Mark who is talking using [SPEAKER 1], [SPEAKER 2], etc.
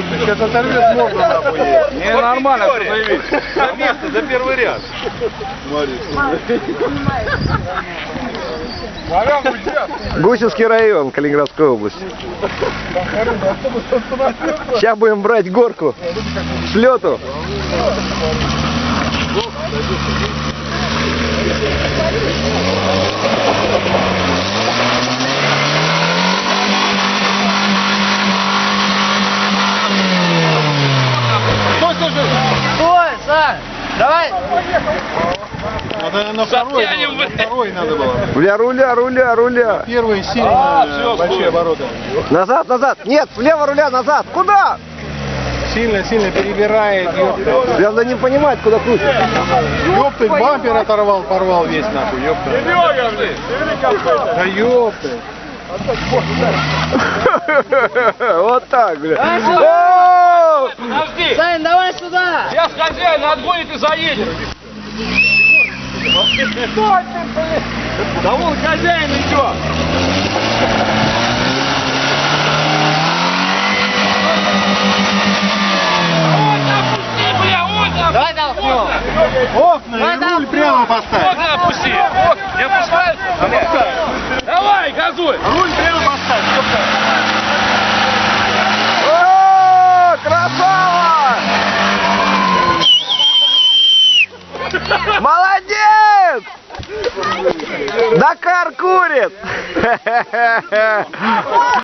[SPEAKER 1] Сейчас оторвет морду нахуй.
[SPEAKER 2] Не, нормально, все заявить.
[SPEAKER 1] За место, за первый ряд.
[SPEAKER 3] Гусевский район Калининградской области. Сейчас будем брать горку с лету.
[SPEAKER 4] Стой, Сань! Давай!
[SPEAKER 1] Надо на второй надо было.
[SPEAKER 3] Руля.
[SPEAKER 1] Первый сильно большие обороты.
[SPEAKER 3] Назад. Нет, влево руля, назад. Куда?
[SPEAKER 1] Сильно перебирает, ёпта.
[SPEAKER 3] Прям надо не понимать, куда крутит.
[SPEAKER 1] Ёпта, бампер оторвал, порвал весь нахуй, ёпта. Да ёпта.
[SPEAKER 3] Вот так, бля.
[SPEAKER 2] Подожди!
[SPEAKER 4] Сань, давай сюда!
[SPEAKER 2] Сейчас хозяин отгонит и заедет. Да вон хозяин идет.
[SPEAKER 4] Давай толкнем!
[SPEAKER 1] Окна и руль прямо поставь.
[SPEAKER 2] Окна опусти. Не опускай? Опускай. Давай, газуй.
[SPEAKER 1] Руль прямо поставь, ёпта.
[SPEAKER 3] О, красава! Молодец! Дакар курит!